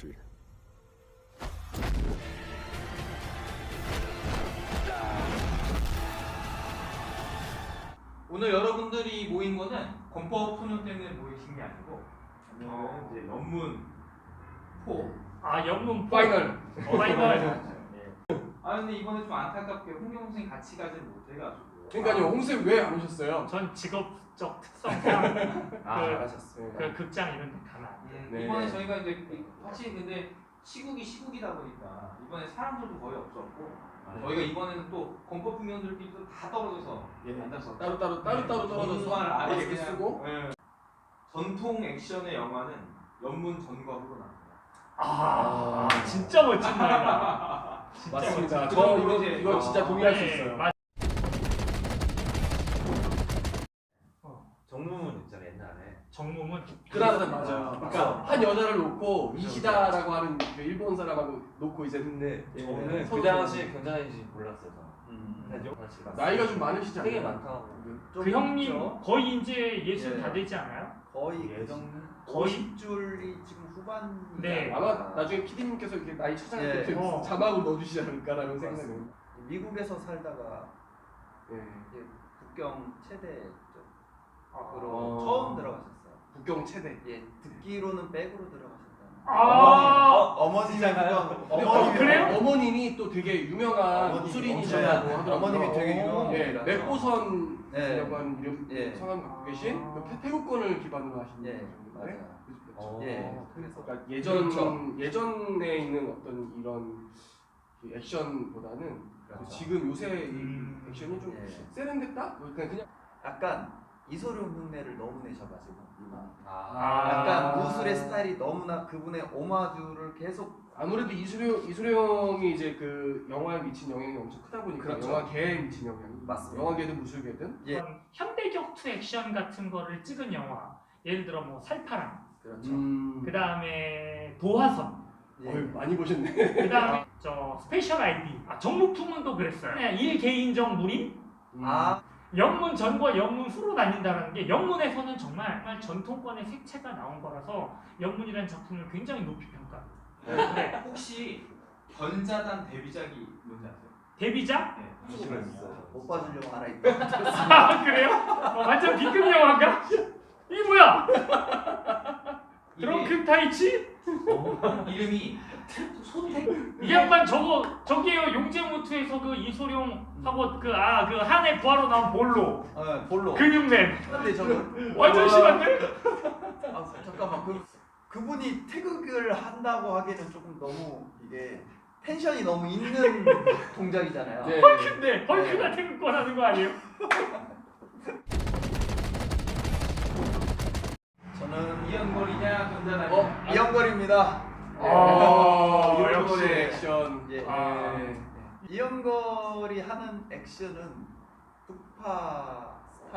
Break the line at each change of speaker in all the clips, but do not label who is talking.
是。
오늘 여러분들이 모인 거는 건법 소년 때문에 모이신 게 아니고 이제 연문 포.
아 연문
파이널.
파이널.
아 근데 이번에 좀 안타깝게 홍경 선생님 같이 가지를 못해가지고.
그러니까요, 홍쌤 왜 안 오셨어요?
전 직업적 특성상
잘하셨어요.
그 극장 이런 데 가면 안 돼요.
네.
이번에 저희가 이제 확실히 근데 시국이다 보니까 이번에 사람들도 거의 없었고 저희가 이번에는 또 건법 풍년들끼리 다 떨어져서 앉아서
따로 떨어져서
정말 아예
마스크
그냥
쓰고.
전통 액션의 영화는 연문 전과 후로 나옵니다.
아, 진짜 멋진 말이다. 진짜
맞습니다.
멋진
저
이제-
이거 진짜 동의할 수
네,
있어요.
정문문 있잖아 옛날에.
정몽은
그나마 맞아요.
맞아.
그러니까 한 여자를 놓고 이시다라고 하는 그 일본 사람하고 놓고 이제
근데
예,
저는
서로
그 당시에 견자인지 몰랐어요. 같이
나이가 좀 많으시지 않나요?
되게 많다고.
그 형님 거의 이제 예술 다 되지 않아요?
거의 그
예전-
정도.
거의?
50줄이 지금 후반.
네.
아마 나중에 PD님께서 이렇게 나이 찾아갈 때
예.
자막을 넣어주시지 않을까라는 생각은.
미국에서 살다가
예.
이제 국경 체대로
아.
처음 들어가셨어요.
국경 최대.
예, 듣기로는 백으로 들어가셨다.
아,
어머니잖아요.
그래요?
어머님이 또 되게 유명한
어머님이
무술인이시라고
엄청-
하더라고요.
어머님이 되게 유명한
예,
분이라서.
맥보선이라고
네.
하는 이름
예.
성함 갖고 계신 그 태국권을 기반으로 하시는
예,
분인데.
맞아요.
그렇죠.
예, 그래서
그러니까 예전
그렇죠.
예전에 있는 어떤 이런 그 액션보다는
그렇죠.
지금 요새 이 액션이 좀
예.
세련됐다? 그냥
약간 이소룡 흉내를 너무 내셔가지고
아.
약간 무술의 스타일이 너무나 그분의 오마주를 계속
아무래도 이수룡이 이제 그 영화에 미친 영향이 엄청 크다 보니까
그렇죠.
영화계에 미친 영향이
맞습니다.
영화계든 무술계든
예.
그런 현대격투 액션 같은 거를 찍은 영화 예를 들어 뭐 살파랑
그렇죠.
그 다음에 도화선
예.
많이 보셨네.
그 다음에 저 스페셜 아이디 정무품은도 그랬어요. 그냥 일개인적 무림
아,
영문 전과 영문 후로 나뉜다는 게 영문에서는 정말 전통권의 색채가 나온 거라서 영문이라는 작품을 굉장히 높이 평가해요. 네.
혹시 견자단 데뷔작이 뭔지 아세요?
데뷔작?
네.
싫어했어요.
못 봐주려고 하나 있다.
아 그래요? 완전 B급 영화인가? 이게 뭐야? 드렁큰 타이치?
이름이 손택.
이 양반 저기요 용재무트에서 그 이소룡하고 그 한해 부하로 나온 볼로
볼로.
근육맨
근데 저거
완전 심한데?
잠깐만 그분이 태극을 한다고 하기에는 조금 너무 이게 텐션이 너무 있는 동작이잖아요.
네.
근데 헐크가 태극권하는 거 아니에요?
저는
이연걸이냐 견자단.
이영걸입니다.
이런
역시.
거의 액션.
예.
네.
이영걸이 하는 액션은 북파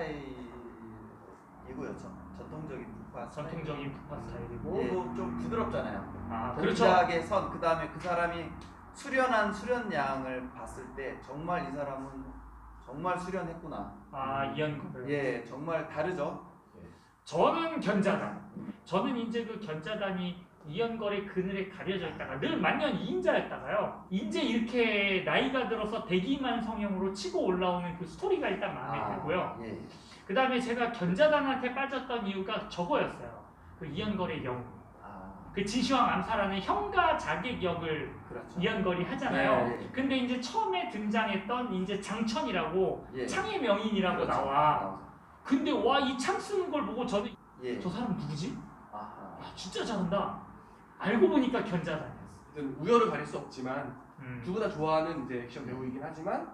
스타일이고요. 전통적인 북파 스타일.
전통적인 북파 스타일이고
그리고 좀 부드럽잖아요.
아 그렇죠.
동작의 선, 그 다음에 그 사람이 수련한 수련량을 봤을 때 정말 이 사람은 정말 수련했구나.
아 이연걸.
예, 정말 다르죠.
저는 견자단. 저는 이제 그 견자단이 이연걸의 그늘에 가려져 있다가 늘 만년 2인자였다가요. 이제 이렇게 나이가 들어서 대기만 성형으로 치고 올라오는 그 스토리가 일단 마음에 들고요.
예.
그 다음에 제가 견자단한테 빠졌던 이유가 저거였어요. 그 이연걸의 영웅. 그 진시황 암살하는 형가 자객 역을
그렇죠.
이연걸이 하잖아요.
네, 네.
근데 이제 처음에 등장했던 이제 장천이라고
예.
창의 명인이라고
그렇죠.
나와. 근데 와 이 창 쓰는 걸 보고 저는
예.
저 사람 누구지?
아하.
야, 진짜 잘한다. 알고 보니까 견자단이었어.
어쨌든 우열을 가릴 수 없지만
음.
누구나 좋아하는 이제 액션 배우이긴 하지만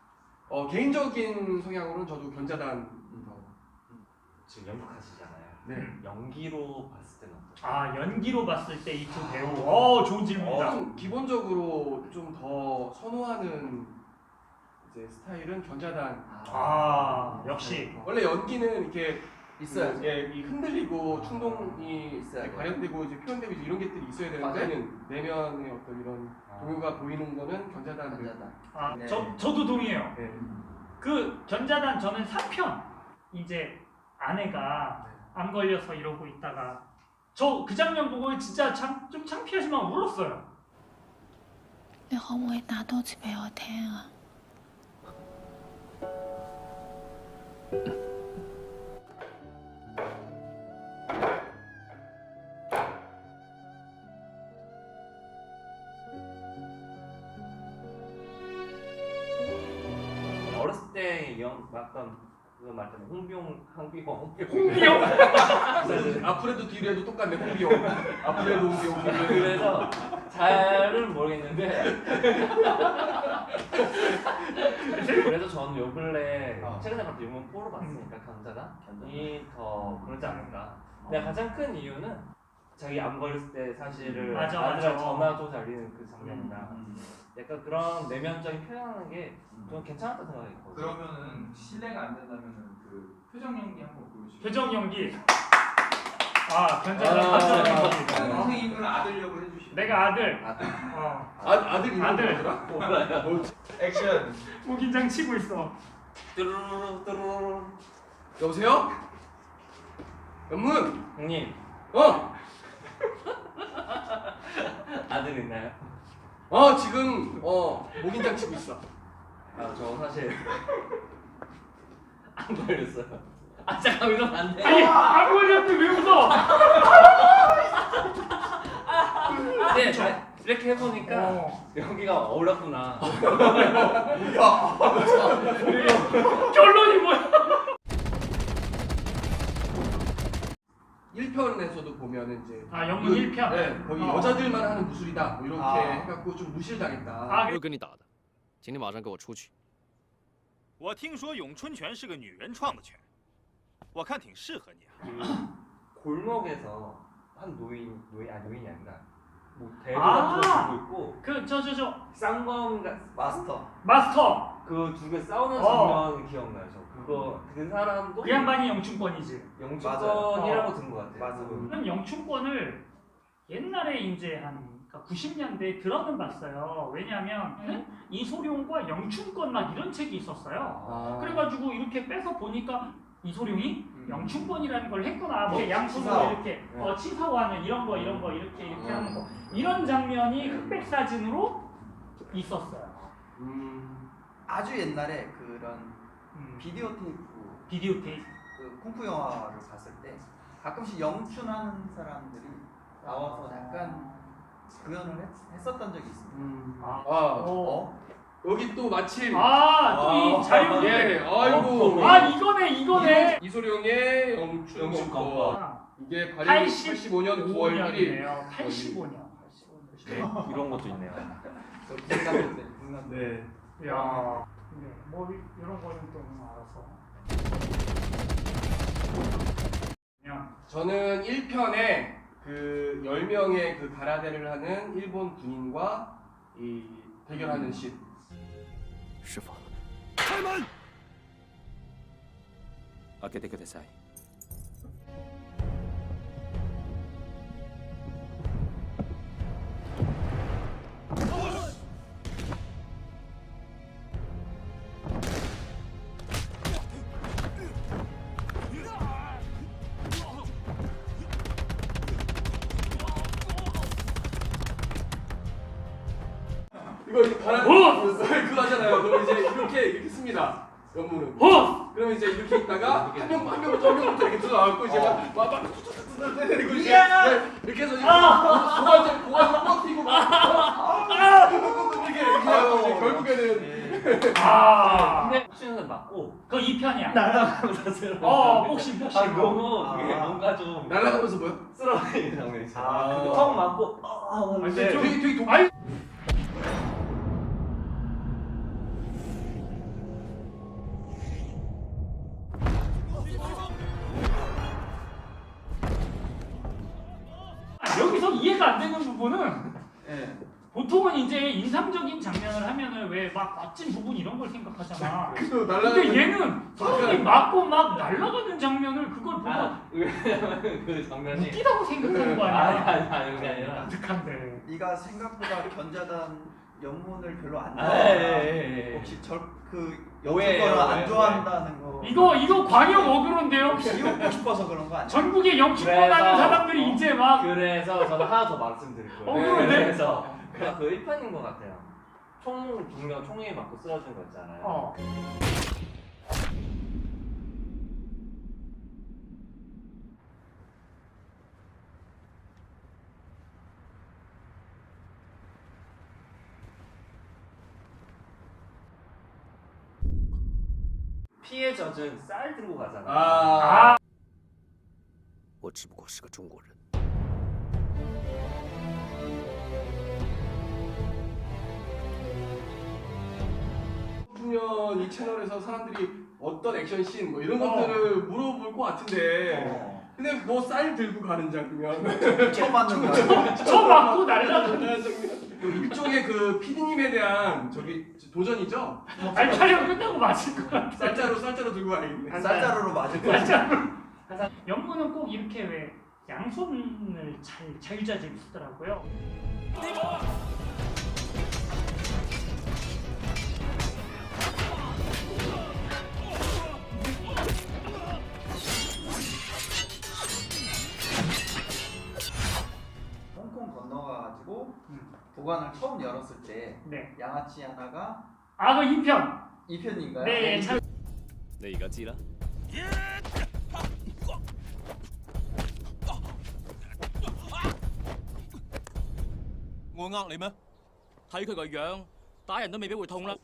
개인적인 성향으로는 저도 견자단.
지금 연극하시잖아요.
네.
연기로 봤을 때는 어떠세요?
아 연기로 봤을 때 이 두 배우. 좋은 질문이다.
저는 기본적으로 좀 더 선호하는 이제 스타일은 견자단.
역시.
원래 연기는 이렇게
있어요.
예, 이 흔들리고 충동이
있어요.
이제 발현되고 이제 표현되고 이제 이런 것들이 있어야 되는데 내면의 어떤 이런 동요가 보이는 거는 견자단.
견자단. 네.
저도 동의해요.
네.
그 견자단 저는 3편 이제 아내가 암 걸려서 이러고 있다가 저 그 장면 보고 진짜 좀 창피하지만 울었어요.
你可唔可以打多次俾我聽啊？
어렸을 때 봤던 그거 말잖아요. 홍비용.
앞으로도 뒤로 해도 똑같네. 홍비용. 앞으로 해도 홍비용.
그래서 잘은 모르겠는데 그래서 저는 요 근래 최근에 봤던 용문 4로 봤으니까 견자단이 더 그러지 않을까. 근데 가장 큰 이유는 자기 암 걸렸을 때 사실을
맞아.
아들한테 전화도 잘리는 그 장면이나 약간 그런 내면적인 표현하는 게 좀 괜찮았다고 생각했거든요.
그러면은 신뢰가 안 된다면은 그 표정 연기 한번 보여주시죠.
표정 연기. 아 견자단 표정 연기.
선생님은 아들 역을 해주시고.
내가 아들.
아들 이름
아들.
뭐더라?
액션.
무긴장 치고 있어.
뚜루루루 뚜루루루.
여보세요? 연문.
형님 아들 있나요?
지금 목인장 치고 있어.
저 사실 안 걸렸어요. 잠깐 이러면 안 돼.
아니 안 걸렸는데 왜 웃어?
네, 이렇게 해보니까 여기가 어렵구나.
결론이 뭐야?
1편에서도 보면은 이제
영문 1편.
네, 거기 여자들만 하는 무술이다 뭐 이렇게 해갖고 좀 무실당했다.
不会跟你打的，请你马上给我出去。
我听说咏春拳是个女人创的拳，我看挺适合你啊。
골목에서 한 노인이 아니라 뭐 대도가 들고 있고
저
쌍검
마스터.
그 두 개 싸우는 장면 기억나요. 저 그거 그 사람도
그 양반이 영춘권이지.
영주권이라고 들은 것 같아요.
맞아.
저는 영춘권을 옛날에 이제 한 90년대에 들어는 봤어요. 왜냐하면 이소룡과 영춘권 막 이런 책이 있었어요. 그래가지고 이렇게 빼서 보니까 이소룡이 영춘권이라는 걸 했구나. 뭐 양손으로 이렇게 치사하는 이런 거 이렇게 하는 거 이런 장면이 흑백 사진으로 있었어요.
아주 옛날에 그런 비디오 테이프 그 쿵푸 영화를 봤을 때 가끔씩 영춘하는 사람들이 나와서 약간 구현을 했었던 적이 있습니다.
여기 또 마침
또 이 자료를
예, 아이고.
이거네.
이소룡의 영춘권. 이게 발효 85년 9월 1일.
85년.
이런 것도 있네요.
네.
야, 뭐 이런 거는 또 알아서. 그냥
저는 1편에 그 10명의 그 가라데를 하는 일본 군인과 이 대결하는 씬.
师傅，开门！開けてください。
이거 가라데 그거 하잖아요. 그럼 이제 이렇게 씁니다. 연문은. 그러면 이제 이렇게 있다가 한 명부터 이렇게 들어가고 이제 막 그리고 이제 이렇게 해서 고관절 뻗 튀고 막 이렇게 하고 이제 결국에는
근데 혹시는 맞고
그 2편이야.
날아가면서 쓰러져.
복싱.
너무 그게 뭔가 좀
날아가면서 뭐요?
쓰러지는 장면 있잖아요.
그거
턱 맞고
근데 되게
여기서 이해가 안 되는 부분은 보통은 이제 인상적인 장면을 하면은 왜 막 멋진 부분 이런 걸 생각하잖아. 근데 얘는 사람이 맞고 막 날아가는 장면을 그걸 보고
왜냐면 그 장면이
웃기다고 생각하는 거 아니야?
아니 그게 아니라
어떡한데.
네가 생각보다 견자단 연문을 별로 안
아,
좋아한다. 혹시 그
오해예요,
연구를 안
오해.
좋아한다는 거.
이거 광역 어그로인데요?
비웃고 싶어서 그런 거 아니야?
전국에 역주권하는
그래서-
사람들이 이제 막
그래서 저는 하나 더 말씀드릴 거예요.
그런데?
그래서 그 1편인 것 같아요. 총 중력 총에 맞고 쓰러진 거 있잖아요.
어.
피해 젖은 쌀 들고 가잖아요.
아,
我只不过是个中国人。
보면 이 채널에서 사람들이 어떤 액션씬 뭐 이런 것들을 물어볼 것 같은데 근데 뭐 쌀 들고 가는 장면
처음 맞는 거.
쳐 맞고 날라가는.
일종의 그 PD님에 대한 도전이죠?
아니 촬영 끝나고 맞을 것 같아.
쌀자루 들고 가야겠네.
쌀자루로 맞을 거.
연구는 꼭 이렇게 왜 양손을 자유자재로 쓰더라고요.
홍콩 건너가지고 보관을 처음 열었을 때
네.
양아치 하나가
아, 그 2편.
2편인가요?
네, 참.
你而家知啦。
我呃你咩？睇佢個樣，打人都未必會痛啦。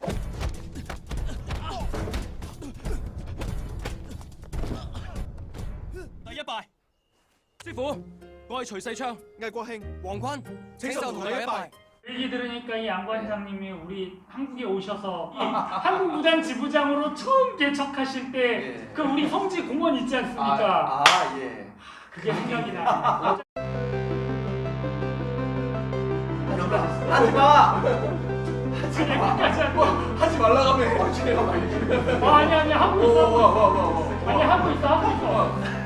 第一拜，師傅，我係徐世昌、魏國慶、黃坤，請受徒弟一拜。
얘기 들으니까 이 양관장님이 우리 한국에 오셔서 이 한국 무단 지부장으로 처음 개척하실 때 그 우리 성지 공원 있지 않습니까?
예.
그게 생각이 나요.
하지 마.
여기까지 하고.
하지 말라고 하면 제가 막 이렇게
아니 하고 있어.
와.
아니 하고 있어.